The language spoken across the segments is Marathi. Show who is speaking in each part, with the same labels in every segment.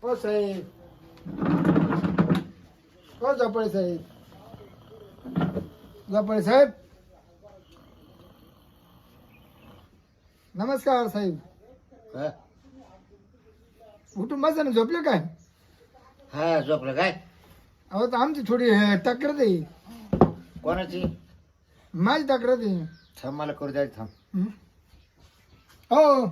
Speaker 1: हो साहेब, हो झोपळे साहेब, झोपळे साहेब, नमस्कार साहेब.
Speaker 2: हा
Speaker 1: उठून बसा ना, झोपले काय?
Speaker 2: हा, झोपलं काय?
Speaker 1: अहो तर आमची थोडी तक्रार आहे.
Speaker 2: कोणाची?
Speaker 1: माझी तक्रार आहे.
Speaker 2: थांब, मला करू द्या, थांब.
Speaker 1: हं? हो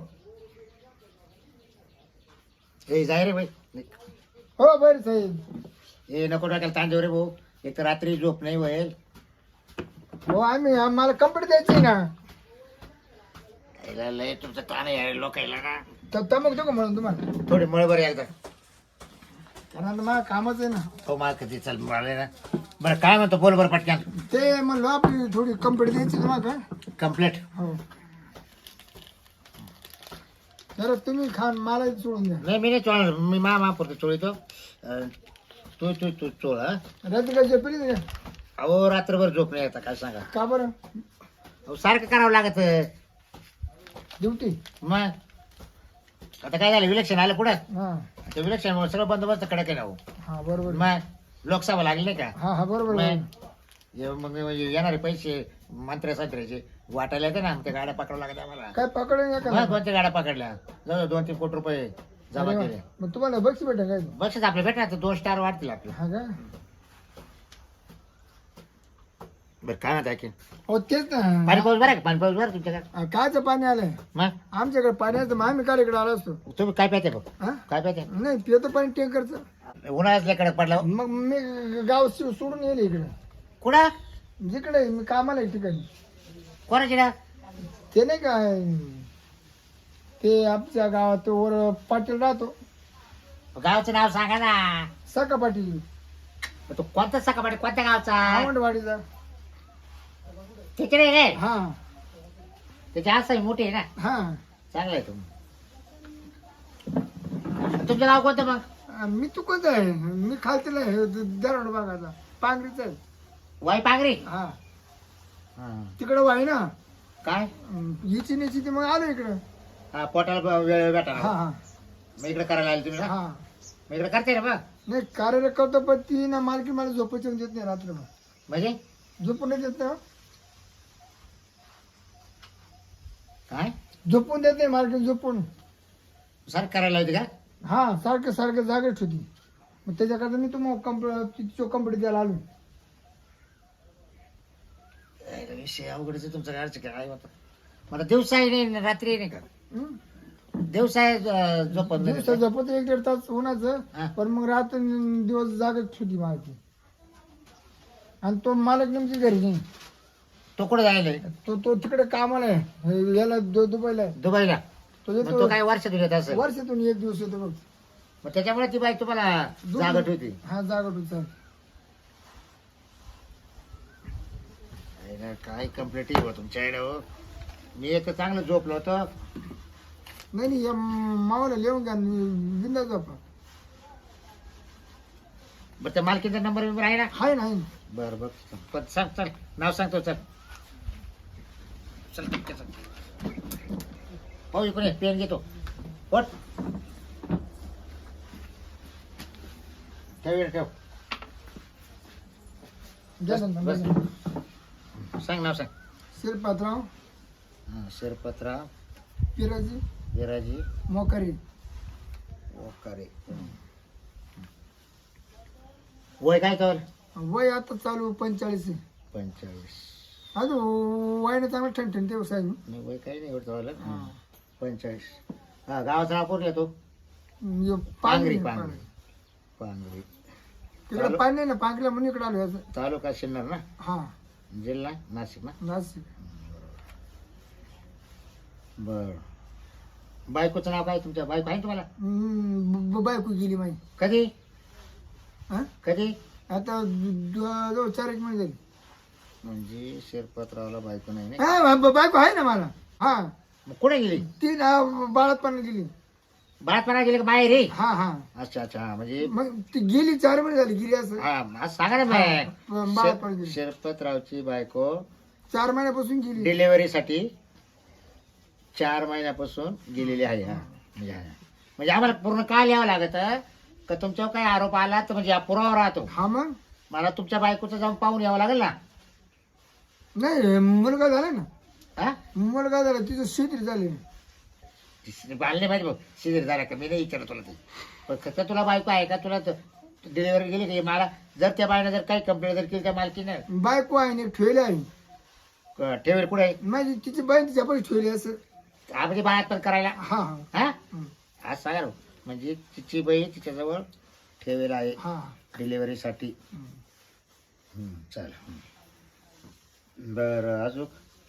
Speaker 2: ए जाय रे बाई.
Speaker 1: हो बरं साहेब.
Speaker 2: ए नको टाकायला तांदूळ रे भाऊ. एक तर रात्री झोप नाही होईल.
Speaker 1: हो आम्हाला कंप्लीट द्यायची ना.
Speaker 2: यायला लय तुमचं ताण आहे लोकायला ना.
Speaker 1: तर तमक देऊ का म्हणून तुम्हाला?
Speaker 2: थोडी मळ बरं एकदा.
Speaker 1: कारण मला कामच आहे ना.
Speaker 2: हो मला कधी चल मला ना. बरं काय म्हणतो, बोल बरं पटक्यान.
Speaker 1: ते म्हणलं आपली थोडी कंप्लीट द्यायची तुम्हाला.
Speaker 2: कम्प्लीट.
Speaker 1: हो जरा तुम्ही खान मला सोडून द्या.
Speaker 2: नाही मी नाही चोळणार, मी पुरतो चोळीतो. तू तू तू चोळ. हा
Speaker 1: रात्री काय झोपली नाही का?
Speaker 2: अहो रात्रभर झोप नाही येता, काय सांगा.
Speaker 1: का बरं?
Speaker 2: अहो सारखं करावं लागत.
Speaker 1: ड्युटी.
Speaker 2: मग आता काय झालं, इलेक्शन आलं पुढे.
Speaker 1: हा
Speaker 2: ते इलेक्शन सगळं बंदोबस्त कडक आहे ना हो.
Speaker 1: हा बरोबर.
Speaker 2: मग लोकसभा लागली नाही का.
Speaker 1: हा हा बरोबर.
Speaker 2: मग येणारे पैसे मंत्र्या संत्र्याचे वाटायला येते ना, त्या गाड्या पकडावं लागत आम्हाला.
Speaker 1: काय पकडून का?
Speaker 2: मग कोणत्या गाड्या पकडल्या, जवळ 2-3 कोटी रुपये जमा
Speaker 1: अरे वा.
Speaker 2: केले.
Speaker 1: मग तुम्हाला बक्षीस भेटेल काय?
Speaker 2: बक्षीस आपले भेटणार तर 2 स्टार वाढतील आपले.
Speaker 1: हा का?
Speaker 2: बरं काय म्हणता की
Speaker 1: हो तेच ना.
Speaker 2: पाणी पाऊस बरं आहे का? पाणी पाऊस बरं तुमच्याकडे?
Speaker 1: कायचं पाणी आलंय
Speaker 2: मग
Speaker 1: आमच्याकडे? पाण्याचं मग आम्ही काल इकडे आलो असतो.
Speaker 2: तुम्ही काय प्यायचे बघ,
Speaker 1: हा
Speaker 2: काय प्यायचे?
Speaker 1: नाही पितो पाणी टँकरचं.
Speaker 2: उन्हाळ्यातल्या कडक पडला हो.
Speaker 1: मग मी गाव सोडून येईल इकडे.
Speaker 2: कुठं?
Speaker 1: जिकडे मी कामाला आहे ठिकाणी.
Speaker 2: कोणाची ना?
Speaker 1: ते नाही काय ते आमच्या गावात वर पाटील राहतो.
Speaker 2: गावचं नाव सांगा ना.
Speaker 1: सका पाटील.
Speaker 2: तो कोणता सकाळी कोणत्या गावचा?
Speaker 1: आवंडवाडीचा.
Speaker 2: तिकडे रे.
Speaker 1: हा
Speaker 2: त्याची आसाई मोठी आहे ना.
Speaker 1: हा.
Speaker 2: चांगलं आहे तुम्ही. तुमचं गाव कोणतं मग?
Speaker 1: मी तू कोणता आहे? मी खालतीला आहे, दरड भागाचा पांगरीचा आहे.
Speaker 2: वाई पांगरी.
Speaker 1: हा
Speaker 2: हा.
Speaker 1: तिकडं वाई ना.
Speaker 2: काय?
Speaker 1: हिची नेची ती मग आलो इकडं.
Speaker 2: हा पोटाला वेळ भेटा
Speaker 1: हा हा
Speaker 2: मग इकडे करायला आले तुम्ही ना.
Speaker 1: हा.
Speaker 2: मग इकडे करते ना मग.
Speaker 1: नाही कार्य करतो पण ती ना मालकी मला झोपायची देत नाही रात्र.
Speaker 2: म्हणजे
Speaker 1: झोपून नाही देत ना.
Speaker 2: काय
Speaker 1: झोपून देत नाही मालकी. झोपून
Speaker 2: सर करायला होती का?
Speaker 1: हा सारखं सारखं जागेच होती. मग त्याच्याकरता मी तुम्हाला कंप्लीट द्यायला आलो.
Speaker 2: विषय अवघडच तुमचं घरचं काय होतं. मला दिवसाही नाही रात्री नाही का?
Speaker 1: हं?
Speaker 2: दिवसाही झोपत नाही
Speaker 1: दिवसा
Speaker 2: का?
Speaker 1: झोपत 1-1.5 तास
Speaker 2: हा.
Speaker 1: उन्हाचं. पण मग रात्र दिवस जागेच होती मालकी. आणि तो मालक नेमकी घरी नाही.
Speaker 2: तो कुठे जायला?
Speaker 1: तो तो तिकडे कामाला आहे. याला दुबईला आहे.
Speaker 2: दुबईला.
Speaker 1: तो
Speaker 2: मग
Speaker 1: येतो
Speaker 2: तो काय वर्षातून येत असं?
Speaker 1: वर्षातून 1 दिवस येतो बघ.
Speaker 2: मग त्याच्यामुळे ती बाई तुम्हाला जागत होती.
Speaker 1: हा जागट होता.
Speaker 2: काय कम्प्लीट आहे तुमच्या आईला हो. मी एक चांगलं झोपलो होतो.
Speaker 1: नाही नाही या मावाला लिहून घ्या. बिंदा झोपा.
Speaker 2: बरं त्या मालकीचा नंबर बिंबर आहे ना?
Speaker 1: हाय ना.
Speaker 2: बरं बघ पण सांग, चल नाव सांगतो. चल चल ठीक आहे, चल. पाहू इकडे पेन घेतो. पोट ठेव ठेव.
Speaker 1: द्या ना
Speaker 2: बस.
Speaker 1: नंबर.
Speaker 2: सांग नाव सांग.
Speaker 1: शिरपातराव
Speaker 2: शिरपतराव
Speaker 1: पिराजी
Speaker 2: विराजी
Speaker 1: मोकारी.
Speaker 2: ओकारे. वय काय कर?
Speaker 1: वय आता चालू 45 आहे.
Speaker 2: 45.
Speaker 1: अजून वयाने चांगलं ठणठण ते साहेब.
Speaker 2: नाही वय काही नाही एवढं झालं. 45. हा गावाचं नाव कोण येतो?
Speaker 1: पांगरी.
Speaker 2: पांगरी. पांगरी.
Speaker 1: तिकडे पाणी नाही ना. पांगरीला म्हणून इकडे आलो याचं.
Speaker 2: तालुका शिन्नर ना.
Speaker 1: हा
Speaker 2: जिल्हा नाशिक ना.
Speaker 1: नाशिक.
Speaker 2: बर. बायकोचं नाव काय तुमच्या? बायको आहे तुम्हाला?
Speaker 1: बायको गेली माही.
Speaker 2: कधी?
Speaker 1: हा
Speaker 2: कधी?
Speaker 1: आता 4 महिने झाली.
Speaker 2: म्हणजे शिरपतरावला बायको नाही ना?
Speaker 1: हा बायको आहे ना मला. हा
Speaker 2: मग कुठे गेली?
Speaker 1: ती ना बाळातपणा गेली.
Speaker 2: बाळातपणा गेली का बाहेर रे?
Speaker 1: हा हा.
Speaker 2: अच्छा अच्छा. म्हणजे
Speaker 1: मग ती गेली 4 महिने झाली गेली असं.
Speaker 2: हा आज सांगा ना
Speaker 1: बाळातपणा गेली.
Speaker 2: शिरपतरावची बायको
Speaker 1: 4 महिन्यापासून गेली.
Speaker 2: डिलेव्हरीसाठी 4 महिन्यापासून गेलेली आहे. हा म्हणजे आम्हाला पूर्ण काय लिहावं लागत का तुमच्यावर काय आरोप आला तर म्हणजे पुरावा राहतो.
Speaker 1: हा मग
Speaker 2: मला तुमच्या बायकोचं जाऊन पाहून यावं लागेल ना.
Speaker 1: नाही मुलगा झाला ना,
Speaker 2: हा
Speaker 1: मुलगा झाला तिचं शेती झाली.
Speaker 2: बालने माहिती बघ शिजर झाला का, मी नाही विचारलं तुला ते. पण कसं तुला बायको आहे का, तुला डिलिव्हरी गेली का मला, जर त्या बाईनं जर काही कंप्लेंट जर केली त्या मालकीनं,
Speaker 1: बायको आहे ना ठेवली आहे
Speaker 2: ठेवेल कुठे आहे.
Speaker 1: माझी तिची बाई तिच्या पैसे ठेवली असं.
Speaker 2: हा म्हणजे बाळात पण करायला.
Speaker 1: हा हा
Speaker 2: हा
Speaker 1: हं.
Speaker 2: आज सांगा ना. म्हणजे तिची बाई तिच्याजवळ ठेवेल आहे
Speaker 1: हा
Speaker 2: डिलिव्हरीसाठी.
Speaker 1: हं.
Speaker 2: चल बरं अजून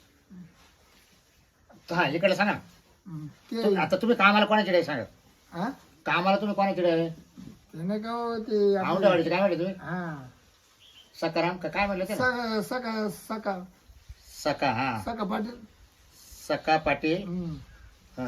Speaker 2: हा इकडे सांगा.
Speaker 1: हं. ते
Speaker 2: आता तुम्ही कामाला कोणाकडे सांगा.
Speaker 1: हा
Speaker 2: कामाला तुम्ही कोणाकडे आहे.
Speaker 1: ते नाही का हो, ते आपलं-
Speaker 2: औंढेवाडीचे काय म्हणले तुम्ही.
Speaker 1: हा
Speaker 2: सकाराम का काय म्हणलं ते ना?
Speaker 1: सका सका
Speaker 2: सका. हा
Speaker 1: सका पाटील.
Speaker 2: सका पाटील.
Speaker 1: हं.
Speaker 2: हा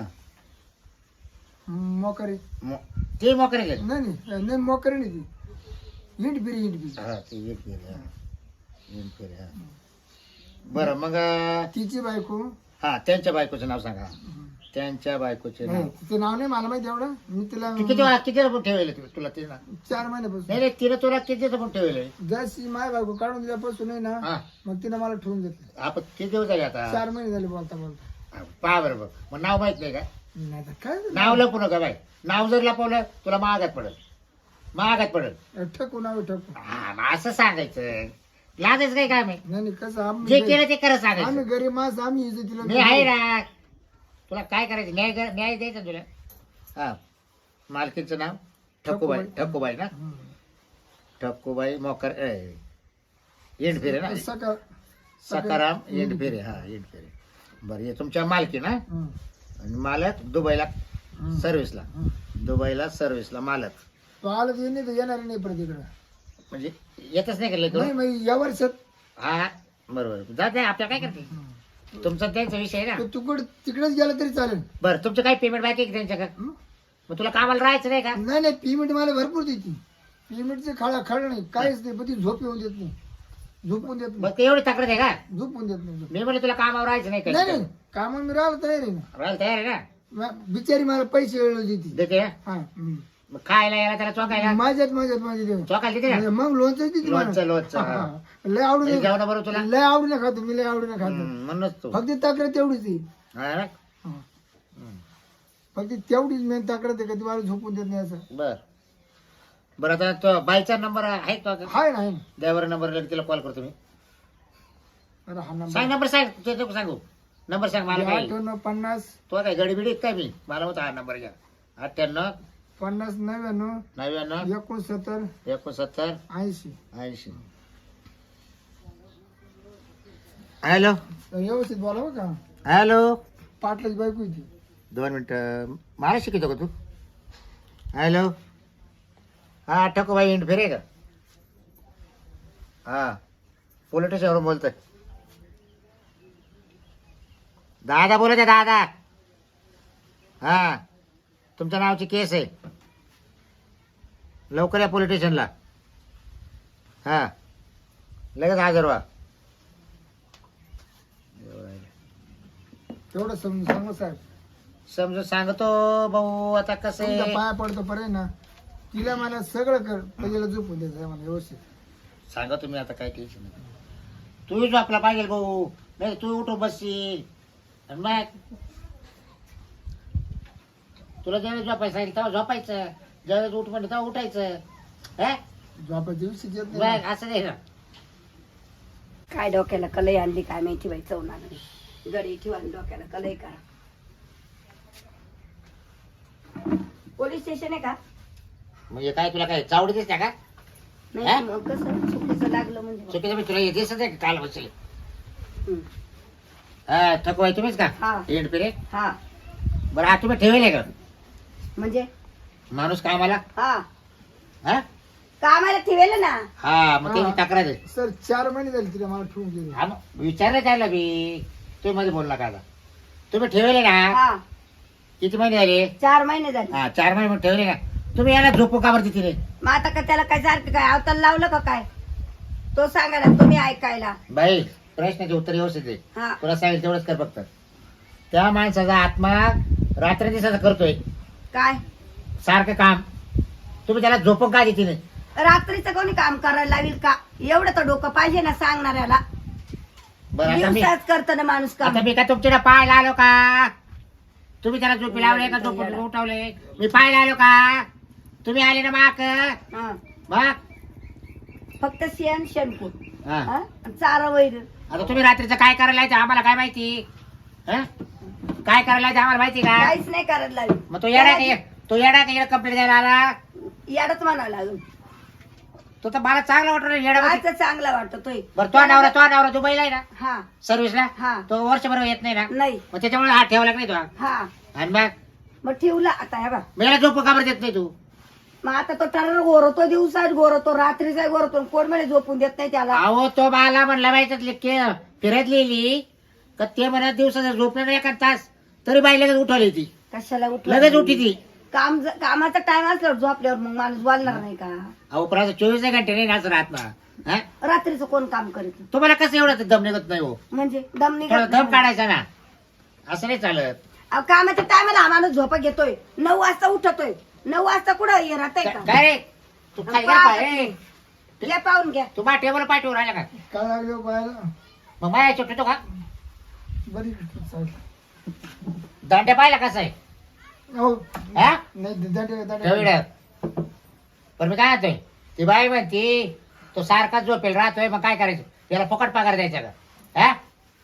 Speaker 1: मोकरे
Speaker 2: ते मोकरे गेले.
Speaker 1: नाही नाही मोकरे नाही ती हिंड फिरी हिंड फिरी.
Speaker 2: हा ते वीट गेले. हा वीट गेले. हा बरं मग
Speaker 1: तिची बायको.
Speaker 2: हा त्यांच्या बायकोचं नाव सांगा. त्यांच्या बायकोचे नाव.
Speaker 1: नाही तिचं नाव नाही मला माहिती एवढं. मी तिला
Speaker 2: किती किती पण ठेवले तुला ते ना.
Speaker 1: 4 महिन्यापासून.
Speaker 2: नाही नाही तिने तुला किती पण ठेवले.
Speaker 1: जशी माय बायको काढून दिल्यापासून आहे ना,
Speaker 2: हा
Speaker 1: मग तिनं मला ठेवून घेतलं.
Speaker 2: आपण किती दिवस झाले आता.
Speaker 1: 4 महिने झाले बोलता बोलता.
Speaker 2: पहा बरं बघ मग नाव माहित नाही का.
Speaker 1: नाही तर काय झालं?
Speaker 2: नाव लपू नका बाई. नाव जर लपवलं तुला महागात पडेल. महागात पडेल.
Speaker 1: ठकू नाव ठकू.
Speaker 2: हा मग असं सांगायचं. लाजायचं काय काम आहे.
Speaker 1: नाही नाही कसं
Speaker 2: जे
Speaker 1: आम्ही
Speaker 2: केलं ते खरं
Speaker 1: आम्ही
Speaker 2: सांगायचं.
Speaker 1: गरीब माणसं आम्ही इज्जतीला
Speaker 2: मी आहे ना. तुला काय करायचं न्याय द्यायचा तुला. हा मालकीचं नाव ठक्कूबाई. ठक्कूबाई ना.
Speaker 1: हं.
Speaker 2: ठक्कूबाई मोकर एंड फेरे ना. सकाराम एंड फेरे. हा एंड फेरे. बरं हे तुमच्या मालकी ना.
Speaker 1: हं.
Speaker 2: आणि मालक दुबईला
Speaker 1: हं.
Speaker 2: सर्व्हिसला.
Speaker 1: हं.
Speaker 2: दुबईला सर्व्हिसला मालक.
Speaker 1: तो आला तर नाही तर येणार नाही परत इकडं.
Speaker 2: म्हणजे येतच नाही केलं
Speaker 1: नाही
Speaker 2: तू.
Speaker 1: मग या वर्षात
Speaker 2: हा बरोबर जाते आपल्या काय करते. तुमचा त्यांचा विषय आहे ना.
Speaker 1: तो तुकड तिकडेच गेला तरी चालेल.
Speaker 2: बरं तुमचं काही पेमेंट बाकी आहे का त्यांच्याकडे.
Speaker 1: हं?
Speaker 2: मग तुला कामाला राहायचं नाही का.
Speaker 1: नाही नाही पेमेंट मला भरपूर देते. पेमेंटचे खळा नाही काहीच नाही, पण ती झोप येऊन देत नाही. झोपून देत
Speaker 2: मग
Speaker 1: नाही.
Speaker 2: ते एवढी तक्रार आहे का.
Speaker 1: झोपून देत नाही.
Speaker 2: मी म्हणलं तुला कामावर राहायचं नाही
Speaker 1: नाही
Speaker 2: का.
Speaker 1: नाही कामा मी राहिलो तयार आहे ना.
Speaker 2: राहायला तयार आहे ना.
Speaker 1: बिचारी मला पैसे वेळ देते.
Speaker 2: देते ना?
Speaker 1: हा हं.
Speaker 2: मग खायला यायला त्याला चौकायला
Speaker 1: माझ्यात माझे देव.
Speaker 2: चौकायला देते ना.
Speaker 1: मग लोणचं देते मला.
Speaker 2: लोणचं
Speaker 1: हा, हा. लय आवडून
Speaker 2: जेवणा बरोबर तुला.
Speaker 1: लय आवडीने खातो मी. लय आवडीने खातो.
Speaker 2: म्हणूनच तू
Speaker 1: फक्त तक्रार तेवढीच आहे.
Speaker 2: हा ना?
Speaker 1: हा. फक्त तेवढीच मेन तक्रार आहे का ती मला झोपून देत नाही असं.
Speaker 2: बर बरं आता तो बाईचा नंबर आहे तो.
Speaker 1: हाय ना, आहे ना.
Speaker 2: ड्रायव्हर नंबर तिला कॉल करतो मी.
Speaker 1: अरे हा नंबर
Speaker 2: सांग नंबर सांग. तुझ्या नको सांगू. नंबर सांग मला. काय
Speaker 1: 98
Speaker 2: तो काय गडीबिडी काय मी मला होता हा नंबर घ्या. 98
Speaker 1: 50 99
Speaker 2: 99
Speaker 1: 69
Speaker 2: 69
Speaker 1: 80.
Speaker 2: 80. हॅलो
Speaker 1: व्यवस्थित बोला बरं का.
Speaker 2: हॅलो.
Speaker 1: पाटलाची बायको होती.
Speaker 2: 2 मिनिटं मला शिकवतो का तू. हॅलो हा ठकूबाई इंड फेरे का. हा पोलीस स्टेशनवरून बोलतोय. दादा बोलत आहे दादा. हा तुमच्या नावाची केस आहे. लवकर या पोलीस स्टेशनला. हा लगेच हजर व्हा.
Speaker 1: तेवढं समजून सांगू साहेब.
Speaker 2: समजून सांगतो भाऊ. आता कसं
Speaker 1: तुमच्या
Speaker 2: आहे
Speaker 1: पाया पडतो पर्यंत ना. तिला मला सगळं कर पहिल्याला झोपून द्यायचं आहे मला व्यवस्थित.
Speaker 2: सांगा तुम्ही आता काय टेन्शन नाही. तू झोपला पाहिजे भाऊ. नाही तू उठून बसशील. आणि मग तुला ज्यावेळेस झोपायचं सांगितलं तेव्हा झोपायचं. ज्यावेळेस उठ म्हणलं तेव्हा उठायचं. हा
Speaker 1: झोपायची दिवशी येत
Speaker 2: बघ
Speaker 1: नाही.
Speaker 2: असं नाही ना.
Speaker 3: काय डोक्याला कलई आणली काय माहिती बाई चवणार गडी ठेवा आणि डोक्याला कलई करा. पोलीस स्टेशन आहे का.
Speaker 2: म्हणजे काय तुला काय चावडी दिसत्या का. हा?
Speaker 3: नाही मग कसं चुकीचं लागलं म्हणजे
Speaker 2: चुकीचं मी तुला दिसत आहे का काल बसले.
Speaker 3: हं.
Speaker 2: हा थकवाय तुम्हीच का.
Speaker 3: हा.
Speaker 2: एंड पिरे.
Speaker 3: हा
Speaker 2: बरं आता तुम्ही ठेवले का
Speaker 3: म्हणजे
Speaker 2: माणूस कामाला.
Speaker 3: हा
Speaker 2: हा
Speaker 3: कामाला ठेवेल ना.
Speaker 2: हा मग त्याची
Speaker 1: हा.
Speaker 2: तक्रार आहे.
Speaker 1: सर 4 महिने झाले तिला मला ठेवून गेले.
Speaker 2: हा मग विचारलं त्याला मी. तुम्ही मध्ये बोलला का आता. तुम्ही ठेवले ना.
Speaker 3: हा
Speaker 2: किती महिने झाले.
Speaker 3: 4 महिने झाले.
Speaker 2: हा 4 महिने मग ठेवले ना. तुम्ही याला झोपू का बरं तिथे.
Speaker 3: मग आता का त्याला काय सारखं काय अवताल लावलं का काय तो सांगा ना तुम्ही ऐकायला.
Speaker 2: बाई प्रश्नाचे उत्तर व्यवस्थित आहे.
Speaker 3: हा
Speaker 2: तुला सांगेल तेवढंच कर फक्त. त्या माणसाचा आत्मा रात्र दिवसाचा करतोय
Speaker 3: काय
Speaker 2: सारखं काम. तुम्ही त्याला झोपून का देते नाही?
Speaker 3: रात्रीचं कोणी काम करायला लावील का? एवढं तर डोकं पाहिजे ना सांगणाऱ्याला.
Speaker 2: बरं आता मी
Speaker 3: दिवसाच करत ना माणूस काम.
Speaker 2: आता मी का तुमच्या पाहायला आलो का? तुम्ही त्याला झोपी लावले का झोपून उठवले? मी पाहायला आलो का? तुम्ही आले ना माक
Speaker 3: हा.
Speaker 2: मग
Speaker 3: फक्त शेण शेणकूट
Speaker 2: हा.
Speaker 3: हा? चारा वैर.
Speaker 2: आता तुम्ही रात्रीचं काय करायला यायचं आम्हाला काय माहिती? हं? काय करायला यायचं आम्हाला माहिती का?
Speaker 3: काहीच नाही करायला लावी.
Speaker 2: मग तो येडा का कंप्लेंट द्यायला आला?
Speaker 3: याडच म्हणावं लागेल.
Speaker 2: तो तर मला चांगला वाटतो येडा.
Speaker 3: आता चांगला वाटतोय.
Speaker 2: बरं तो नवरा दुबईला आहे ना
Speaker 3: हा
Speaker 2: सर्व्हिसला.
Speaker 3: हा.
Speaker 2: तो वर्षभर येत नाही ना,
Speaker 3: नाही.
Speaker 2: मग त्याच्यामुळे हात ठेवला नाही तो.
Speaker 3: हा
Speaker 2: आणि मग
Speaker 3: मग ठेवला आता हे बा.
Speaker 2: मला झोप काबर देत नाही तू?
Speaker 3: मग आता तो टर्र गोरवतो, दिवसाच गोरवतो, रात्रीचा गोरवतो, कोण म्हणे झोपून देत नाही त्याला.
Speaker 2: अहो तो मला म्हणला माहिती फिरत लिहिली का ते म्हणत दिवसाचा झोपलं नाही एखाद तास तरी बाई लगेच उठवली ती.
Speaker 3: कशाला उठला?
Speaker 2: लगेच उठी ती.
Speaker 3: कामाचा टाइम असल्यावर झोपल्यावर मग माणूस बोलणार नाही का?
Speaker 2: अहो पण आता 24 घंटे नाही नाच राहत ना. हं?
Speaker 3: रात्रीचं कोण काम करीत?
Speaker 2: तुम्हाला कसं एवढं दम निघत नाही हो?
Speaker 3: म्हणजे दम
Speaker 2: थोडा
Speaker 3: निघत
Speaker 2: दम
Speaker 3: नाही.
Speaker 2: काढायचा ना, असं नाही चालत.
Speaker 3: अहो, कामाच्या टायमाला हा माणूस झोपा घेतोय, 9 वाजता उठतोय. 9 वाजता कुठं हे राहतंय का?
Speaker 2: काय रे तू खाली घ्या पाय.
Speaker 3: घ्या पाहून घ्या.
Speaker 2: तू माझ्या टेबल पाय ठेवून राहिला का?
Speaker 1: काय लागलं पाहायला?
Speaker 2: मग माझ्या छोटतो का?
Speaker 1: बरी चालेल.
Speaker 2: दांड्या पाहिला कसं आहे?
Speaker 1: हो
Speaker 2: हा?
Speaker 1: नाही दांडे
Speaker 2: ठेवलं. पण मी काय म्हणतोय, ती बाई म्हणती तो सारखाच झोपेल राहतोय, मग काय करायचं? त्याला फुकट पगार द्यायचा का? हा?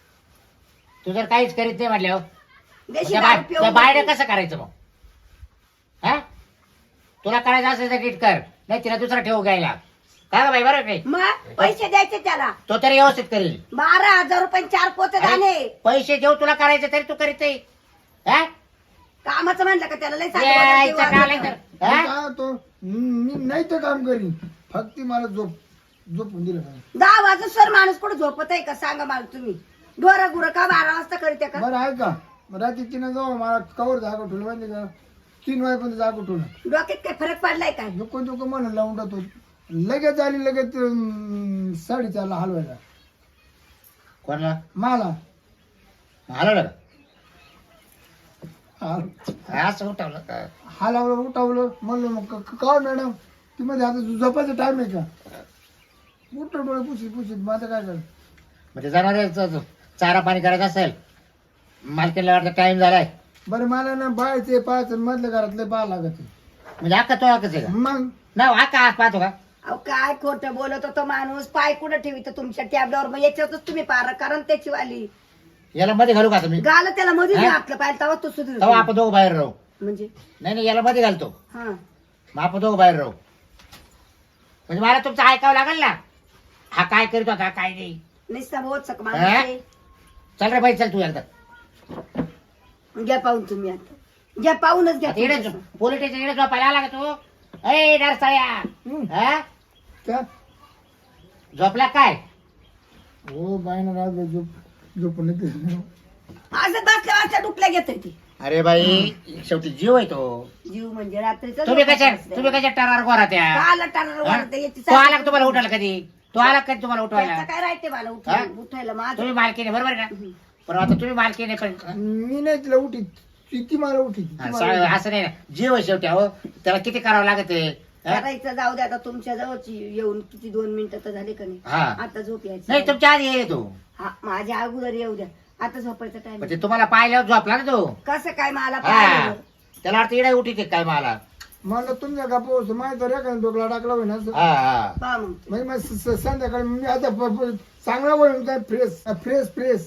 Speaker 2: तू जर काहीच करीत नाही म्हटल्यावर
Speaker 3: देशी दारू पिऊन
Speaker 2: बाहेर
Speaker 3: जाते.
Speaker 2: कसं करायचं मग? हा? तुला करायचं असेल तर नीट कर, नाही तिला दुसरा ठेवू घ्यायला. काय बाई बरोबर नाही?
Speaker 3: मग पैसे द्यायचे त्याला.
Speaker 2: तो तरी व्यवस्थित करेल.
Speaker 3: 12,000 रुपये 4 पोते झाले.
Speaker 2: पैसे देऊ तुला करायचं तरी तू करीत नाही. हा?
Speaker 3: कामाचं म्हणलं का त्याला लय
Speaker 2: यायचं का
Speaker 3: सांगितलं.
Speaker 2: लय तर?
Speaker 1: मी
Speaker 2: हा?
Speaker 1: काय होतो, मी नाही तर काम करीन, फक्त मला झोपून दिलं पाहिजे.
Speaker 3: 10 वाजता सर माणूस कुठं झोपत आहे का? सांगा मला तुम्ही. ढोरा गुरं का 12 वाजता करते का?
Speaker 1: बरं आहे का? रात्री 3 जाऊ मला कवर जागा ठेवलं माहिती का? 3 वाजेपर्यंत जागा ठेवलं.
Speaker 3: डोक्यात काय फरक पडलाय काय?
Speaker 1: दुकान म्हणून लावून टाकतो. लगेच आली लगेच 4:30ला हलवायला
Speaker 2: कोणाला
Speaker 1: मला.
Speaker 2: आलं
Speaker 1: हाल-
Speaker 2: असं उठवलं का?
Speaker 1: हलवलं उठवलं म्हणलं मग का मॅडम ती मध्ये आता झोपायचा टाइम आहे का? उठलं डोळे पुशीत माझं काय करायचं?
Speaker 2: म्हणजे जनावरांचं चारा पाणी करायचं असेल, मालकीला वाटतं टाइम झालाय,
Speaker 1: बरं मला ना बायचे पाहायचं मधल्या घरातले पाहा लागत.
Speaker 2: म्हणजे अक्का तो अक्काच आहे का?
Speaker 1: मग
Speaker 2: ना अक्का आज पाहतो का?
Speaker 3: अहो काय खोटं बोलत होतो माणूस. पाय कुठं ठेवित तुमच्या टॅबलावर? मग याच्यातच तुम्ही पार कारण त्याची वाली
Speaker 2: याला मध्ये घालू का तुम्ही?
Speaker 3: गाल त्याला मध्ये
Speaker 2: हा?
Speaker 3: आपलं पाहिजे तेव्हा तो सुधीर.
Speaker 2: तेव्हा आपण दोघं बाहेर राहू.
Speaker 3: म्हणजे
Speaker 2: नाही याला मध्ये घालतो,
Speaker 3: हा
Speaker 2: मग आपण दोघं बाहेर राहू. म्हणजे मला तुमचं ऐकावं लागेल ना, हा काय करीत होता काय नाही.
Speaker 3: निस्ता बहुत सक
Speaker 2: हा?
Speaker 3: माणूस.
Speaker 2: चल रे बाई चल तू एकदा.
Speaker 3: घ्या पाहून तुम्ही आता. घ्या पाहूनच घ्या
Speaker 2: आता इकडे
Speaker 3: तुम्ही.
Speaker 2: पोलीस स्टेशन इकडे झोपायला आला का तू? ए नरसाळ्या, हा?
Speaker 1: क्या
Speaker 2: झोपला काय?
Speaker 1: हो बाईनं रात झोपून येते.
Speaker 3: असं बसल्या वाजता डुकल्या घेत ती.
Speaker 2: अरे बाई शेवटी जीव आहे तो.
Speaker 3: जीव म्हणजे रात्रीचं
Speaker 2: तुम्ही
Speaker 3: झोपायचं
Speaker 2: कशा
Speaker 3: असतं.
Speaker 2: तुम्ही कशा टरार गोरा त्या?
Speaker 3: काला टाळाला वाढते, याची
Speaker 2: तो आला का
Speaker 3: सासू-
Speaker 2: तुम्हाला उठायला कधी? तो आला का कधी तुम्हाला उठवायला?
Speaker 3: त्याचं काय राहते मला
Speaker 2: हा?
Speaker 3: उठायला माझं.
Speaker 2: तुम्ही मालकीने बरोबर आहे ना? पण आता तुम्ही मालकीने पण
Speaker 1: मी नाही तिला उठीत, ती मला उठीत.
Speaker 2: हा, असं नाही ना, जीव आहे शेवटी. अहो त्याला किती करावं लागत आहे. हा?
Speaker 3: करायचं जाऊ दे आता. तुमच्या जवळची येऊन किती 2 मिनिटं तर झाले का नाही?
Speaker 2: हा.
Speaker 3: आता झोप यायची.
Speaker 2: नाही तुमच्या आधी येईल तो.
Speaker 3: हा, माझ्या अगोदर येऊ द्या. आता झोपायचा टाइम.
Speaker 2: म्हणजे तुम्हाला पाहिल्यावर झोपला ना तो.
Speaker 3: कसं काय मला
Speaker 2: हा
Speaker 3: पाहिलं?
Speaker 2: त्याला वाटतं इडा उठीत काय मला.
Speaker 1: म्हणलं तुमच्या का पोहोच माहिती तर एखादा डोकला टाकला होईल असं.
Speaker 2: हा हा
Speaker 3: पहा मग.
Speaker 1: म्हणजे मग संध्याकाळी मी आता चांगला होईल काय फ्रेश फ्रेश फ्रेश.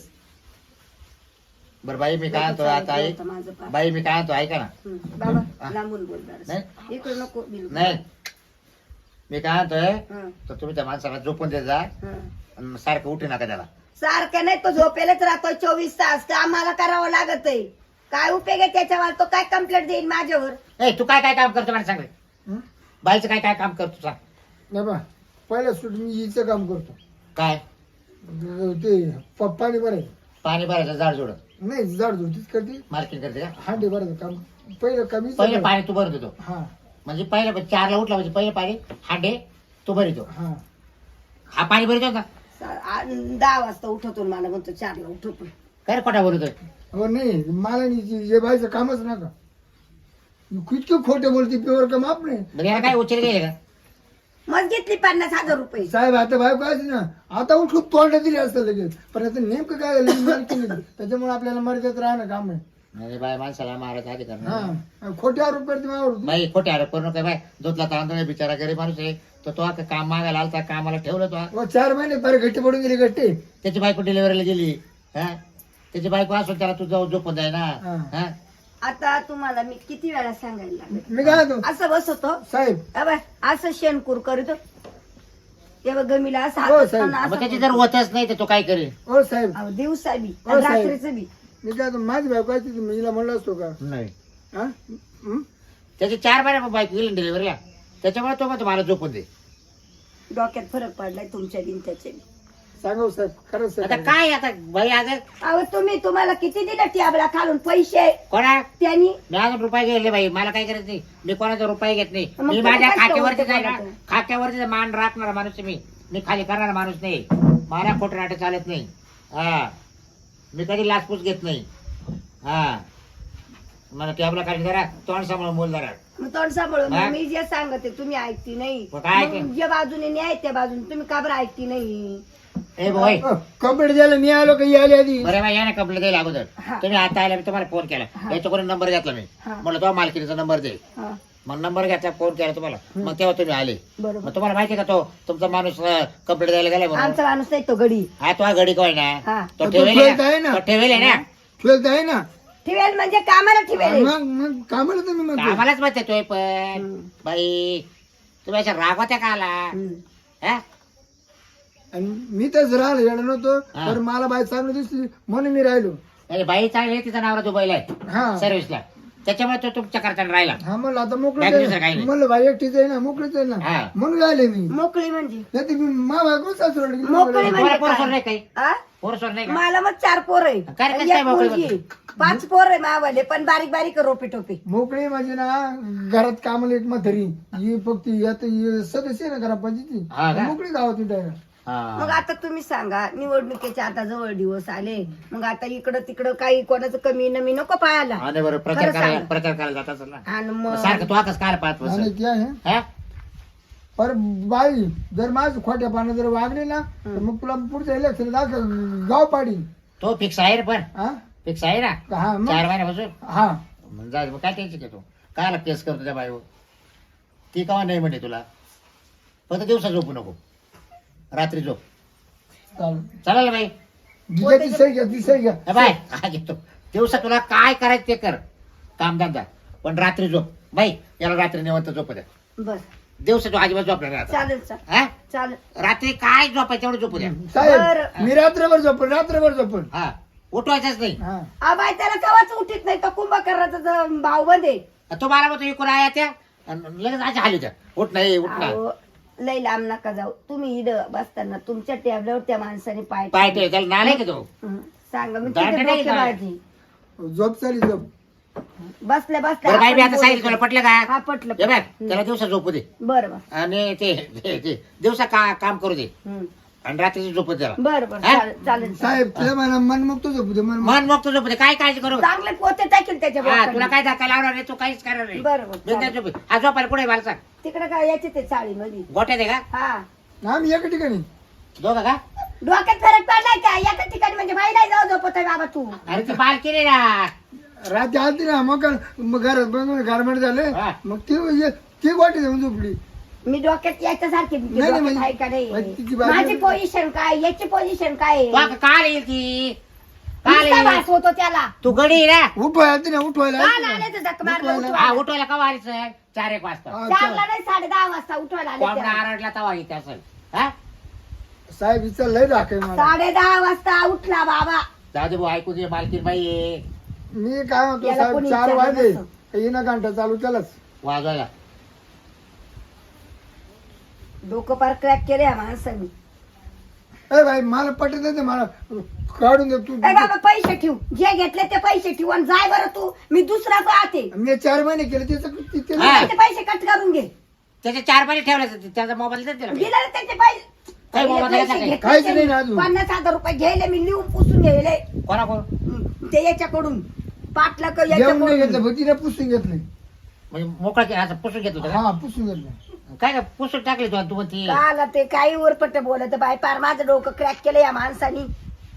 Speaker 2: बरं बाई मी काय म्हणतो आता ऐक.
Speaker 3: माझं पहा.
Speaker 2: बाई मी काय म्हणतो ऐका ना.
Speaker 3: बाबा लांबून बोल जरासं.
Speaker 2: नाही.
Speaker 3: इकडे नको बिलकुल.
Speaker 2: नाही मी काय म्हणतोय,
Speaker 3: हं,
Speaker 2: तर तुम्ही त्या माणसाला झोपून देत जा
Speaker 3: हं.
Speaker 2: आणि मग सारखं उठू नका त्याला.
Speaker 3: सारखं नाही, तो झोपेलच राहतो 24 तास. आम्हाला करावं लागत आहे. काय उपयोग आहे त्याच्यावर? तो काय कंप्लेंट देईल माझ्यावर?
Speaker 2: ए तू काय काय काम करतो मला सांग रे.
Speaker 1: हं?
Speaker 2: बाईचं काय काय काम करतो सांग.
Speaker 1: नाही बा पहिलं सूट मी हिचं काम करतो.
Speaker 2: काय?
Speaker 1: ते पाणी भरायचं.
Speaker 2: पाणी भरायचं झाड जोड
Speaker 1: नाही झाड झुड तीच करते.
Speaker 2: मार्केट करते का?
Speaker 1: हांडे भरायचं काम पहिलं कमी.
Speaker 2: पहिले पाणी तू भरत होतो.
Speaker 1: हा
Speaker 2: म्हणजे पहिलं 4ला उठला म्हणजे पहिले पाणी हांडे तू भरितो.
Speaker 1: हा
Speaker 2: हा पाणी भरितो का?
Speaker 3: 10 वाजता उठवतो आणि मला म्हणतो 4ला उठवतो.
Speaker 2: काय रे खोटा भरतोय?
Speaker 1: हो नाही मला नाही जे बायचं कामच नका. किती खोटे बोलते प्युअर का माप नाही
Speaker 2: मग याला काय उचल गेले का
Speaker 3: मग घेतली 50,000 रुपये.
Speaker 1: साहेब आता बायको आहे ना आता उठून तोंड दिली असतं लगेच पण आता नेमकं काय झालं मालकी नाही. त्याच्यामुळे आपल्याला मर्यादेत राहणं काम आहे.
Speaker 2: म्हणजे बाय माणसाला मारायचा आधी करणार
Speaker 1: हा खोटे आरोप करते माझ्यावर
Speaker 2: बाई खोटे आरोप करू नका बाय दुधला तांदूळ बिचारा गरीब माणूस आहे तर तो आता काम मागायला आलता कामाला ठेवलं तो
Speaker 1: 4 महिने बरे गट्टे पडून गेले गट्टे.
Speaker 2: त्याची बायको डिलिव्हरीला गेली हा त्याची बायको असून त्याला तू जाऊ झोपून जाय ना हा
Speaker 3: आता तुम्हाला मी किती वेळा सांगायला लागले
Speaker 1: मी काय म्हणतो
Speaker 3: असं बसवतो
Speaker 1: साहेब
Speaker 3: अबे, असं शेणकूर करतो तेव्हा गमीला असं
Speaker 1: हो,
Speaker 3: हातात
Speaker 1: साहेब.
Speaker 3: आणि असं
Speaker 2: मग त्याची जर होतच नाही तर तो काय करेल
Speaker 1: ओ साहेब
Speaker 3: अहो, दिवसा बी
Speaker 1: हो,
Speaker 3: आणि
Speaker 1: साहेब.
Speaker 3: रात्रीचं बी.
Speaker 1: मी काय म्हणतो, माझी बायको आहे तिथे मी हिला म्हणलं असतो का
Speaker 2: नाही
Speaker 1: हा हं?
Speaker 2: त्याची 4 महिने बायको गेली डिलिव्हरीला त्याच्यामुळे तो मग तुम्हाला झोपून दे
Speaker 3: डोक्यात फरक पडलाय तुमच्या दिन त्याचे बी.
Speaker 1: सांगा हो, साहेब खरंच
Speaker 2: आता
Speaker 1: साहेब
Speaker 2: काय आता बाई आज
Speaker 3: अहो तुम्हाला किती दिलं टॅबला खालून पैसे
Speaker 2: कोणा
Speaker 3: त्यांनी
Speaker 2: मी अजून रुपये गेले बाई मला काय करायचं नाही मी कोणाचा रुपये घेत नाही
Speaker 3: मग
Speaker 2: मी
Speaker 3: तुम्ही
Speaker 2: माझ्या
Speaker 3: काय
Speaker 2: खात्यावरती
Speaker 3: ठेवते
Speaker 2: जाईल ना
Speaker 3: कोणाचं?
Speaker 2: खात्यावरती मान राखणारा माणूस आहे मी खाली करणारा माणूस नाही मला खोटं नाटक चालत नाही हा मी कधी लाचपूस घेत नाही हा मला टॅबला काढली जरा तोंड सांभाळून बोल जरा
Speaker 3: मग तोंड सांभाळून
Speaker 2: हा?
Speaker 3: मग मी जे सांगते तुम्ही ऐकती नाही
Speaker 2: मग काय
Speaker 3: मग
Speaker 2: ऐकेन?
Speaker 3: ज्या बाजूने न्याय त्या बाजूने तुम्ही का बरं ऐकती नाही
Speaker 2: ए भाई
Speaker 1: कंप्लीट झालं मी आलो काही आली आधी
Speaker 2: बरं बाई या ना कंप्लेंट द्यायला अगोदर
Speaker 3: हा.
Speaker 2: तुम्ही आता आला मी तुम्हाला फोन केला याच्याकडून नंबर घेतला मी
Speaker 3: हा.
Speaker 2: म्हटलं तो मालकीचा नंबर दे
Speaker 3: हा,
Speaker 2: मग नंबर घेतला फोन केला तुम्हाला मग तेव्हा तुम्ही आले
Speaker 3: बरोबर
Speaker 2: मग तुम्हाला माहिती का तो तुमचा माणूस कंप्लेंट द्यायला गेला म्हणून
Speaker 3: आमचा माणूस नाही तो गडी
Speaker 2: हा तो घडी कोण ना
Speaker 3: हा
Speaker 2: तो
Speaker 1: तो
Speaker 2: ठेवेल
Speaker 1: ठेवत आहे
Speaker 2: ना
Speaker 1: ना.
Speaker 2: तो ठेवेल आहे ना
Speaker 1: ठेवत आहे ना
Speaker 3: ठेवेल म्हणजे कामाला ठेवेल
Speaker 1: मग कामाला तुम्ही म्हणतो
Speaker 2: आम्हालाच माहिती तोय पण
Speaker 3: हम्म.
Speaker 2: बाई तुम्ही अशा रागवत्या का आला
Speaker 3: हम्म.
Speaker 2: हा?
Speaker 1: आणि मी तर राहिलो येणार नव्हतो
Speaker 2: हा.
Speaker 1: तर मला बाई चांगली दिसली म्हणून मी राहिलो
Speaker 2: अरे बाई चांगली आहे, तिचा नवरा दुबईला आहे
Speaker 1: हा
Speaker 2: सर्व्हिसला त्याच्यामुळे तो तुमच्या करताना राहिला
Speaker 1: हा म्हणलं आता
Speaker 2: बाकी दुसरं काही
Speaker 1: मोकळीच
Speaker 2: नाही.
Speaker 1: म्हणलं बाई एकटीच आहे ना मोकळीच आहे ना
Speaker 2: हा.
Speaker 1: म्हणून आले मी
Speaker 3: मोकळी म्हणजे
Speaker 1: नाही तर मी मा बायको सासू
Speaker 3: मोकळी
Speaker 2: तुम्हाला
Speaker 3: म्हणजे
Speaker 2: पोरसोर
Speaker 3: काय?
Speaker 2: नाही काही
Speaker 3: आ?
Speaker 2: पोरसोर नाही का
Speaker 3: मला मग 4 पोर आहे
Speaker 2: काय रे, कसं
Speaker 3: आणि
Speaker 2: काय
Speaker 3: एक
Speaker 2: मोकळी
Speaker 3: मुलगी आहे. 5 पोर आहे मावाले पण बारीक बारीक रोपे टोपे
Speaker 1: मोकळी म्हणजे ना घरात कामाला एक म्हातारी ही फक्त यात ही सदस्य आहे ना ग्रामपंचायती
Speaker 2: हा का?
Speaker 1: मोकळी गावात डायरेक्ट
Speaker 3: मग
Speaker 2: हा.
Speaker 3: आता तुम्ही सांगा निवडणुकीचे आता जवळ दिवस आले मग आता इकडं तिकडं काही कोणाचं कमी नमी नको पाहायला
Speaker 2: आणि बरोबर प्रचार
Speaker 3: खरं
Speaker 2: करायला
Speaker 3: सांगा.
Speaker 2: प्रचार करायला जात असेल ना
Speaker 3: आणि
Speaker 2: मग
Speaker 3: मग
Speaker 2: सारखं तो आकाश काय पाहत
Speaker 1: आणि
Speaker 2: बसेल?
Speaker 1: ते आहे
Speaker 2: हा?
Speaker 1: पर बाई जर माझं खोट्या पानं जर वागले ना तर मग तुला पुढचं इलेक्शन दाखल गाव पाडी
Speaker 2: तो फिक्स आहे रे पण
Speaker 1: हा
Speaker 2: फिक्स आहे ना
Speaker 1: हा
Speaker 2: 4
Speaker 1: मग
Speaker 2: महिन्यापासून
Speaker 1: हा
Speaker 2: मग जा मग काय टेन्शन घेतो कायला केस करतो त्या बाईवर ती कवा नाही म्हणते तुला फक्त दिवसा झोपू नको रात्री झोप
Speaker 1: चालेल
Speaker 2: चालेल बाई
Speaker 1: घ्या ती सही घ्या ती सही घ्या
Speaker 2: ए बाय काय घेतो दिवसा तुला काय करायचं ते कर कामधंदा पण रात्री झोप बाई याला रात्री निवंत झोप द्या
Speaker 3: बर
Speaker 2: दिवसा तू अजिबात झोपणार नाही आता.
Speaker 3: चालेल
Speaker 2: हा?
Speaker 3: चालेल
Speaker 2: रात्री काय झोपायचं तेवढं झोपू द्या
Speaker 1: साहेब
Speaker 3: बरं.
Speaker 1: मी रात्रभर झोपण रात्रभर झोपण
Speaker 2: हा उठवायचंच नाही
Speaker 1: हा
Speaker 3: आबाई त्याला कवाच उठीत नाही तो कुंभकर्णाचा भाऊ बंदे
Speaker 2: तो मला म्हणतो इकडून आया त्या आणि लगेच आज हाली त्या उठ नाही उठ ना
Speaker 3: लय लांब नका जाऊ तुम्ही इथं बसताना तुमच्या टेबलावर त्या माणसाने पाय
Speaker 2: पाय ठेव त्याला नालाय का तो
Speaker 3: हं, सांगा मी
Speaker 2: दांड
Speaker 3: तिथे
Speaker 2: नाही
Speaker 3: डोके
Speaker 2: का?
Speaker 3: बाळजी.
Speaker 1: झोप चाली झोप
Speaker 3: बसल्या
Speaker 2: बरं बाई मी आता
Speaker 3: बसल्या
Speaker 2: सांगितलं तुला पटलं
Speaker 3: हा
Speaker 2: का
Speaker 3: पटलं
Speaker 2: हे बघ त्याला दिवसा झोपू दे
Speaker 3: बरं बरं
Speaker 2: आणि ते दिवसा काम करू दे
Speaker 3: हं.
Speaker 2: आणि रात्रीची झोपत त्याला
Speaker 3: बरं बरं
Speaker 2: हा?
Speaker 3: चालेल चालेल
Speaker 1: साहेब तुला म्हणा मन मुक्त झोपू दे मन
Speaker 2: मन मग तू झोपू दे काय काळजी करू
Speaker 3: चांगले पोते टाकेल त्याच्या
Speaker 2: हा तुला
Speaker 3: बोकांनी.
Speaker 2: काय धक्का लावणार नाही तू काहीच करणार नाही
Speaker 3: बरं बरं
Speaker 2: बिनधास्त
Speaker 3: चालेल.
Speaker 2: झोप. हा झोपायला पुढे मला सांग
Speaker 3: तिकडे काय याचे ते चाळीमध्ये
Speaker 2: गोट्यात आहे का
Speaker 3: हा
Speaker 1: आम्ही एका ठिकाणी
Speaker 2: दोघं का
Speaker 3: डोक्यात फरक पडलाय का एका ठिकाणी म्हणजे बाई नाही जाऊ झोपत बाबा तू
Speaker 2: अरे ती बाल केली ना
Speaker 1: रात्री आलती ना मग घरात बघून गारमेंट झाले
Speaker 2: हा.
Speaker 1: मग ती वाटी जाऊन झोपली
Speaker 3: मी डोक्यात याच्यासारखी
Speaker 1: नाही, नाही,
Speaker 3: डोक्यात आहे का
Speaker 1: म्हणजे तिची
Speaker 3: नाही
Speaker 1: बाजू-
Speaker 3: माझी पोझिशन काय याची पोझिशन काय आहे?
Speaker 2: तू काल येईल ती काल
Speaker 3: नुसता
Speaker 2: येईल
Speaker 3: वास होतो त्याला
Speaker 2: तू गडी आहे ना
Speaker 1: उठवायला आलती ना उठवायला
Speaker 3: काल
Speaker 1: आलती ना.
Speaker 3: आले तर जख मारलं
Speaker 1: उठवायला.
Speaker 2: हा
Speaker 3: उठवायला.
Speaker 2: उठवायला का वारीच 4-1 वाजता
Speaker 1: हा,
Speaker 3: चारला नाही 10:30 वाजता उठवायला आले
Speaker 2: कोंबडा
Speaker 3: त्याला.
Speaker 2: आरडला तवा येते असेल हा
Speaker 1: साहेब हिचा लय राखे मला
Speaker 3: 10:30 वाजता उठला बाबा
Speaker 2: दादू भाऊ ऐकू दे मालकीन बाई आहे.
Speaker 1: मी काय म्हणतो
Speaker 3: याला
Speaker 1: साहेब
Speaker 3: कोणी
Speaker 1: 4
Speaker 3: विचारलं
Speaker 1: वाजले
Speaker 3: नसतं.
Speaker 1: येईना घंटा चालू त्यालाच
Speaker 2: वाजवायला
Speaker 3: डोकं पार क्रॅक केले या माणसाने
Speaker 1: ए भाई मला पटत नाही ते मला काढून दे तू
Speaker 3: ए बाबा पैसे ठेव जे घेतले ते पैसे ठेव आणि जाय बरं तू मी दुसरा पाहते
Speaker 1: मी 4 महिने केले
Speaker 2: हा.
Speaker 3: ते पैसे कट करून घे
Speaker 2: त्याचे 4 महिने ठेवले त्याचा मोबाईल दे त्याला.
Speaker 3: दिला ना त्याचे पैसे
Speaker 2: काय बाबा,
Speaker 3: पहिले
Speaker 2: काय
Speaker 3: पैसे
Speaker 2: काय?
Speaker 3: घेतले
Speaker 1: काहीच
Speaker 3: त्यांनी.
Speaker 1: नाही ना अजून.
Speaker 3: 50,000 रुपये घ्यायले मी लिहून पुसून घ्यायले
Speaker 2: कोणा कोण
Speaker 3: ते याच्याकडून पाटला
Speaker 1: जेवण नाही घेतलं
Speaker 3: याच्याकडून
Speaker 1: भजीने पुसून घेतले
Speaker 2: म्हणजे मोकळा केला असं पुसून घेत होता
Speaker 1: हा पुसून घेतलं
Speaker 2: का? काय का पुसून टाकले तू म्हणती
Speaker 3: काला ते काही उरपट बोलत बाय पार माझं डोकं क्रॅक केलं या माणसानी.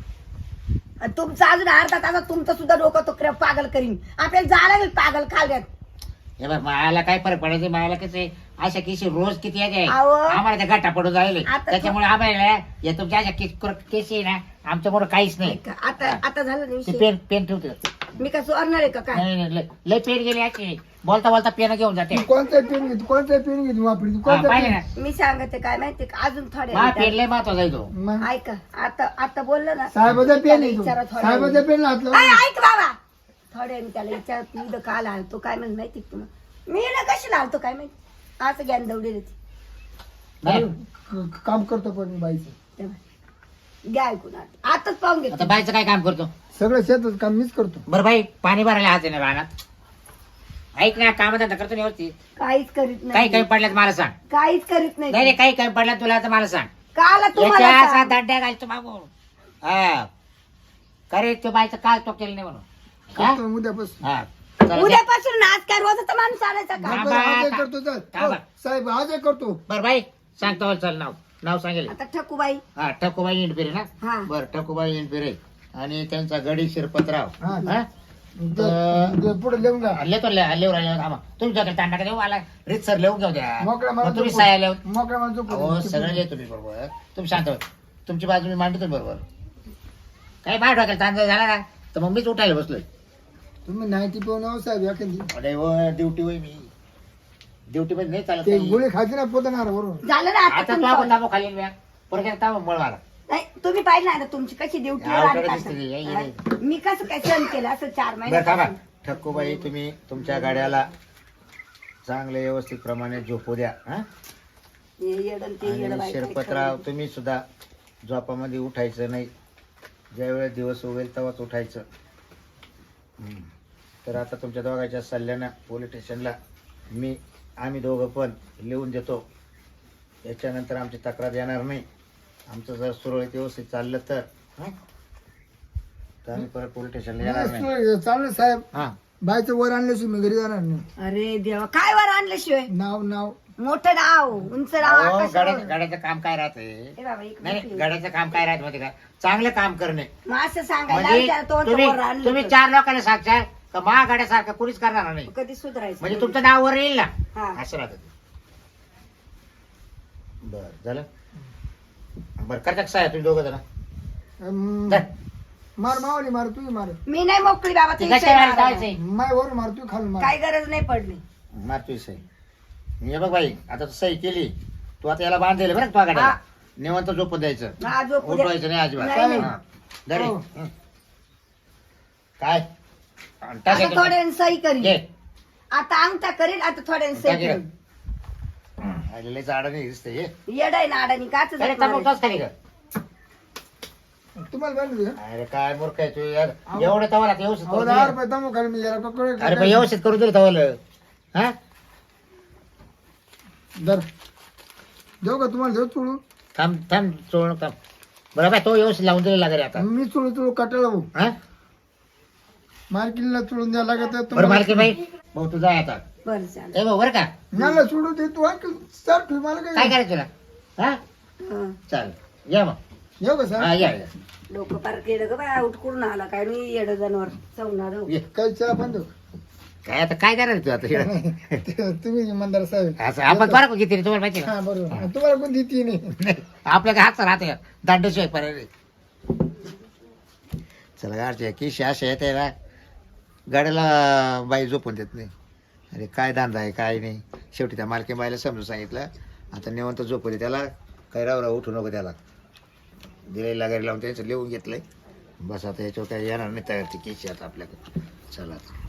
Speaker 3: आणि तुमचं अजून अर्धा तासात तुमचं सुद्धा डोकं तो क्रॅक पागल करीन. आपल्याला जायला लागेल पागल खाल्यात.
Speaker 2: हे बघ मायाला काय फरक पडायचं मायाला कसं अशा केशी रोज किती आहे
Speaker 3: अहो.
Speaker 2: आम्हाला त्या गाठा पडून जायले
Speaker 3: आता
Speaker 2: त्याच्यामुळे आम्हाला या तुमच्या अशा केसी आहे ना आमच्यामुळे काहीच नाही.
Speaker 3: आता झालं ना
Speaker 2: ते
Speaker 3: विषय.
Speaker 2: पेन पेन ठेवते
Speaker 3: मी का चोरणार आहे का काय?
Speaker 2: नाही नाही, लय पेन गेली अशी बोलता बोलता पेन घेऊन जाते.
Speaker 1: तू कोणता पेन घेतो कोणता पेन घेतो वापरी तू
Speaker 2: हा,
Speaker 1: कोणता
Speaker 2: पाहिलं
Speaker 1: पेन
Speaker 2: ना
Speaker 3: मी सांगते काय माहिती का अजून थोडे
Speaker 2: मा पेन लय महत्वाचा आहे तो.
Speaker 1: मग
Speaker 3: ऐका आता बोललं ना
Speaker 1: साहेबाचा पेन
Speaker 3: त्याला
Speaker 1: आहे तो.
Speaker 3: विचारा थोड्या
Speaker 1: साहेबाचा
Speaker 3: वेळाने.
Speaker 1: पेन हात
Speaker 3: ऐ,
Speaker 1: लावून
Speaker 3: ऐक बाबा थोड्या वेळाने त्याला विचार तू इथं का आला तो काय म्हणत माहिती का तुम्हाला मी ना कशी लावतो काय माहिती असं ज्ञान दौडी देते.
Speaker 2: नाही.
Speaker 1: काम करतो पण मी बाईचं
Speaker 3: तेव्हा घ्या ऐकून आताच पाहून
Speaker 2: आता
Speaker 3: घेतो.
Speaker 2: बाईचं काय काम करतो
Speaker 1: सगळं शेतात काम मीच करतो.
Speaker 2: बरं बाई पाणी भरायला हात आहे ना रानात ऐक ना कामधंदा करतो ना व्यवस्थित.
Speaker 3: काहीच करीत
Speaker 2: काही
Speaker 3: नाही
Speaker 2: कमी पडल्यात मला सांग.
Speaker 3: काहीच करीत
Speaker 2: नाही
Speaker 3: नाही
Speaker 2: रे काही कमी पडल्यात तुला तर मला सांग.
Speaker 3: काला तुम्हाला
Speaker 2: याच्या असा
Speaker 3: सांग.
Speaker 2: दांड्या घालतो मागून हा करे तो बाईचं काय तो केलं नाही म्हणून हा?
Speaker 1: करतो उद्यापासून
Speaker 2: हा. चला,
Speaker 3: उद्यापासून आज काय रोजाचा माणूस आणायचा का
Speaker 2: हा.
Speaker 1: बरं, आजही करतो चल
Speaker 2: थांबा.
Speaker 1: हो, साहेब आजही करतो.
Speaker 2: बरं बाई सांगतो मला चल नाव सांगेल.
Speaker 3: आता ठकूबाई
Speaker 2: हा ठकूबाई इंडपिरे ना
Speaker 3: हा.
Speaker 2: बरं ठकूबाई इंडपिरे आणि त्यांचा गडी शिरपतराव
Speaker 1: हा.
Speaker 2: हा?
Speaker 1: पुढे लिहून घ्या
Speaker 2: लेतो लेवर आले तुमच्याकडे तांडा देऊ मला रीत सर लिहून घेऊ द्या
Speaker 1: मोकळ्या
Speaker 2: मग तुम्ही
Speaker 1: मला
Speaker 2: साया लिहून
Speaker 1: मोकळ्या मला
Speaker 2: हो सगळं लिहितो मी बरोबर तुम्ही शांत व्हा. तुमची बाजू मी मांडतो बरोबर काही बाहेर टाकेल तांदळ झाला ना तर मग मीच उठायला बसलोय.
Speaker 1: तुम्ही नाईटी पिऊन आहो साहेब एखादी
Speaker 2: अरे व ड्युटी होय मी ड्युटी मध्ये नाही चालत
Speaker 1: ते
Speaker 2: नाही.
Speaker 1: गोळी खायची ना पोतणार बरोबर
Speaker 3: झालं ना
Speaker 2: आता
Speaker 3: आता
Speaker 2: तू
Speaker 3: तुमचं.
Speaker 2: आपण ताबो खाली मी परत एकदा ताबो मळ मला
Speaker 3: नाही तुम्ही पाहिलं ना तुमची कशी ड्युटी
Speaker 2: अवघड दिसते ती, ये, ये.
Speaker 3: मी कसं काय सहन केलं असं 4
Speaker 2: बरं थांबा
Speaker 3: महिने
Speaker 2: ठक्कूबाई तुम्ही तुमच्या गाड्याला चांगले व्यवस्थित प्रमाणे झोपू द्या हा? आणि शिरपतराव तुम्ही सुद्धा झोपामध्ये उठायचं नाही ज्यावेळेस दिवस उगेल तेव्हाच उठायचं. तर आता तुमच्या दोघांच्या सल्ल्यानं पोलीस स्टेशनला आम्ही दोघं पण लिहून देतो. याच्यानंतर आमची तक्रार येणार नाही. आमचं जर सुरळीत व्यवस्थित चाललं तर हं? तर आम्ही परत पोलीस स्टेशनला येणार नाही.
Speaker 1: चालेल साहेब
Speaker 2: हा
Speaker 1: बाईचं वर आणल्याशिवाय मी घरी जाणार नाही.
Speaker 3: अरे देवा काय वर आणल्याशिवाय
Speaker 1: नाव
Speaker 3: मोठं नाव उंच नाव
Speaker 2: अहो,
Speaker 3: आकाशावर.
Speaker 2: गाड्याचं काम काय राहते
Speaker 3: ए बाबा, एक
Speaker 2: नाही
Speaker 3: मिनिट.
Speaker 2: गाड्याचं काम काय राहत माहिती का चांगलं काम करणे
Speaker 3: मग असं सांगायला
Speaker 2: म्हणजे
Speaker 3: त्याला तो
Speaker 2: तुम्ही
Speaker 3: वर आणलं
Speaker 2: तुम्ही
Speaker 3: तर.
Speaker 2: 4 लोकांना सांगशाल का महागाड्यासारखं कुणीच करणार नाही
Speaker 3: कधी सुधारायचं
Speaker 2: म्हणजे तुमचं नाव वर येईल ना
Speaker 3: हा.
Speaker 2: असं राहत. बर झालं बरं करता कसं आहे तुम्ही दोघं जण
Speaker 1: अं, मार मावली मार तुम्ही मार
Speaker 3: मी नाही मोकळी बाबा
Speaker 2: ते
Speaker 3: तुम्ही
Speaker 2: कशा वेळेला
Speaker 3: मारा.
Speaker 2: जायचंय
Speaker 1: माय वर मार तू खाली मार
Speaker 3: काही गरज नाही पडली
Speaker 2: मारतोय सही हे बघ बाई आता तू सही केली तू आता याला बांधलेलं बरं का तुझ्या गाड्याला
Speaker 3: हा.
Speaker 2: निवंत झोपून द्यायचं
Speaker 3: हा, झोपू द्या.
Speaker 2: उठवायचं नाही अजिबात
Speaker 3: नाही, नाही.
Speaker 2: हा. धर हे.
Speaker 1: हो.
Speaker 2: हं. काय टाक
Speaker 3: आता
Speaker 2: याच्यात.
Speaker 3: थोड्याने सही
Speaker 2: घे.
Speaker 3: करीन आता अंगठा करीन आता थोड्याने
Speaker 2: टाक
Speaker 3: सही
Speaker 2: हे.
Speaker 3: करीन
Speaker 2: लय झाडं नाही दिसते हे
Speaker 3: येडाय ना अडाणी काच
Speaker 2: अरे तंबाखू तोच खाली का
Speaker 1: तुम्हाला बांधली का?
Speaker 2: अरे काय मूर्ख आहे तू यार एवढं तवाला व्यवस्थित
Speaker 1: अहो,
Speaker 2: करून
Speaker 1: 10
Speaker 2: दिलं.
Speaker 1: रुपये दमो खाली मी जरा पकडून
Speaker 2: अरे पण व्यवस्थित करून दिलं तवाला हा
Speaker 1: दर देऊ का तुम्हाला देऊ चुळू
Speaker 2: थांब थांब चोळ थांब बरं बाय तो व्यवस्थित लावून दिलेला घरी आता
Speaker 1: मी चुळू कटाळा भाऊ
Speaker 2: हा
Speaker 1: मार्किनला चुळून द्यायला लागत
Speaker 2: बरं मालकी बाई भाऊ तू जाय आता
Speaker 3: बरं चालेल
Speaker 2: ए भाऊ बरं का
Speaker 1: मला चुळू दे तू आणखी सर ठेव मला
Speaker 2: काय
Speaker 1: काय
Speaker 2: करायचं तुला हा
Speaker 3: हं.
Speaker 2: चालेल या मग
Speaker 1: येऊ का
Speaker 2: हा
Speaker 1: सर
Speaker 2: या या.
Speaker 3: डोकं पार केलं ग बाय उठकून आला काय मी येड जनावर चवणार
Speaker 2: ये.
Speaker 1: काही चला बंद
Speaker 2: काय आता काय करणार तू आता इकडं?
Speaker 1: तुम्ही इमानदार साहेब
Speaker 2: असं आपण बरं किती रे तुम्हाला माहिती
Speaker 1: हा बरोबर तुम्हाला कोण देते नाही
Speaker 2: नाही आपल्या काय हातचा राहते दांडेशिवाय पर्याय चला गाडच्या की शाश येते ना गाड्याला बाई झोपून देत नाही. अरे काय धंदा आहे काय नाही शेवटी त्या मालकी बाईला समजून सांगितलं आता निवंत झोपू दे त्याला काही रावरा उठू नको त्याला दिलेला गाडी लावून त्याचं लिहून घेतलंय बस आता याच्यावर काय येणार नाही तयार ती केशी आता आपल्याकडे चला